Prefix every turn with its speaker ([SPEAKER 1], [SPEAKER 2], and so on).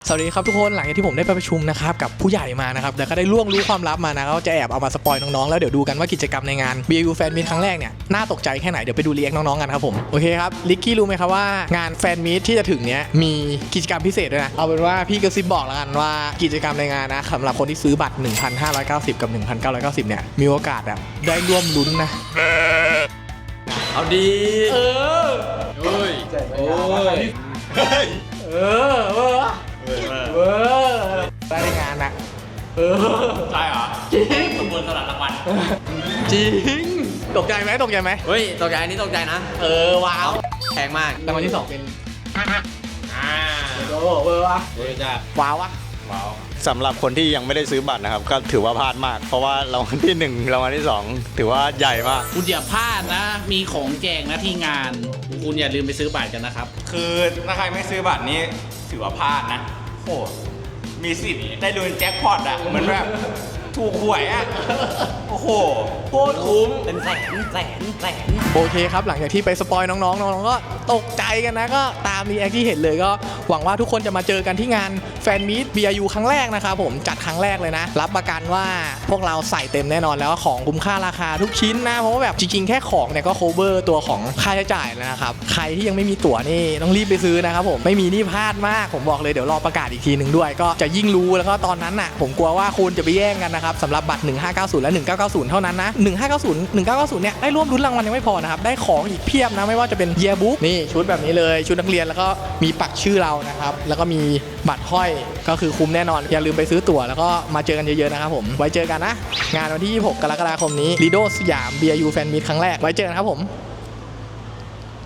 [SPEAKER 1] สวัสดีครับทุกคนหลังจากที่ผมได้ไปประชุมนะครับกับผู้ใหญ่มานะครับแล้วก็ได้ล่วงรู้ความลับมานะก็จะแอบเอามาสปอยน้องๆแล้วเดี๋ยวดูกันว่ากิจกรรมในงาน BU Fan Meet ครั้งแรกเนี่ยน่าตกใจแค่ไหนเดี๋ยวไปดูรีแอคน้องๆกันครับผมโอเคครับลิกกี้รู้ไหมครับว่างานแฟนมีตที่จะถึงเนี้ยมีกิจกรรมพิเศษด้วยนะเอาเป็นว่าพี่กระซิบบอกแล้วกันว่ากิจกรรมในงานนะสำหรับคนที่ซื้อบัตร 1,590 กับ 1,990 เนี่ยมีโอกาสแบบได้ร่วมลุ้นนะ
[SPEAKER 2] เอาดี
[SPEAKER 1] เออ
[SPEAKER 2] โอ้ยโอ้ย
[SPEAKER 1] ได้ในงานนะ
[SPEAKER 2] ใช่เหรอ
[SPEAKER 1] จริง
[SPEAKER 2] สมบูรณ์สลัดรางวัล
[SPEAKER 1] จริงตกใจไหม
[SPEAKER 2] เฮ้ยตกใจนี่ตกใจนะ
[SPEAKER 1] ว้าว
[SPEAKER 2] แพงมาก
[SPEAKER 1] รางวัลที่2เป็นโอ้เวอร์วะ
[SPEAKER 2] จ้า
[SPEAKER 1] ว้าววะ
[SPEAKER 2] ว้าว
[SPEAKER 3] สำหรับคนที่ยังไม่ได้ซื้อบัตรนะครับก็ถือว่าพลาดมากเพราะว่ารางวัลที่1รางวัลที่2ถือว่าใหญ่มาก
[SPEAKER 4] คุณอย่าพลาดนะมีของแจกนะที่งานคุณอย่าลืมไปซื้อบัตรกันนะครับ
[SPEAKER 2] คือถ้าใครไม่ซื้อบัตรนี้ถือว่าพลาดนะโอ้มีสิทธิ์ได้ลุ้นแจ็คพอตอ่ะเหมือนแบบถูกหวยอ่ะโอ้โหโคตรคุ้มเป็นแสน
[SPEAKER 1] โอเคครับหลังจากที่ไปสปอยน้องๆก็ตกใจกันนะก็ตามรีแอคที่เห็นเลยก็หวังว่าทุกคนจะมาเจอกันที่งานแฟนมีต BRU ครั้งแรกนะครับผมจัดครั้งแรกเลยนะรับประกันว่าพวกเราใส่เต็มแน่นอนแล้วของคุ้มค่าราคาทุกชิ้นนะเพราะว่าแบบจริงๆแค่ของเนี่ยก็ cover ตัวของค่าใช้จ่ายแล้วนะครับใครที่ยังไม่มีตั๋วนี่ต้องรีบไปซื้อนะครับผมไม่มีนี่พลาดมากผมบอกเลยเดี๋ยวรอประกาศอีกทีหนึ่งด้วยก็จะยิ่งรู้แล้วก็ตอนนั้นน่ะผมกลัวว่าคุณจะไปแย่งกันนะครับสำหรับบัตร1590และ1990เท่านั้นนะ1990เนี่ยได้ร่วมลุ้นรางวัลยังไม่พอนะครับได้ของอีกเพียบนะไม่ว่าจะเป็นเยียร์บุ๊กนี่ชุดแบบนี้เลยชุดนักเรียนแล้วก็มีปักชื่อเรานะครับแล้วก็มีบัตรห้อยก็คือคุ้มแน่นอนอย่าลืมไปซื้อตั๋วแล้วก็มาเจอกันเยอะๆนะครับผมไว้เจอกันนะงานวันที่26 กรกฎาคมนี้ลีโดสยาม BRU Fan Meet ครั้งแรกไว้เจอกันครับผม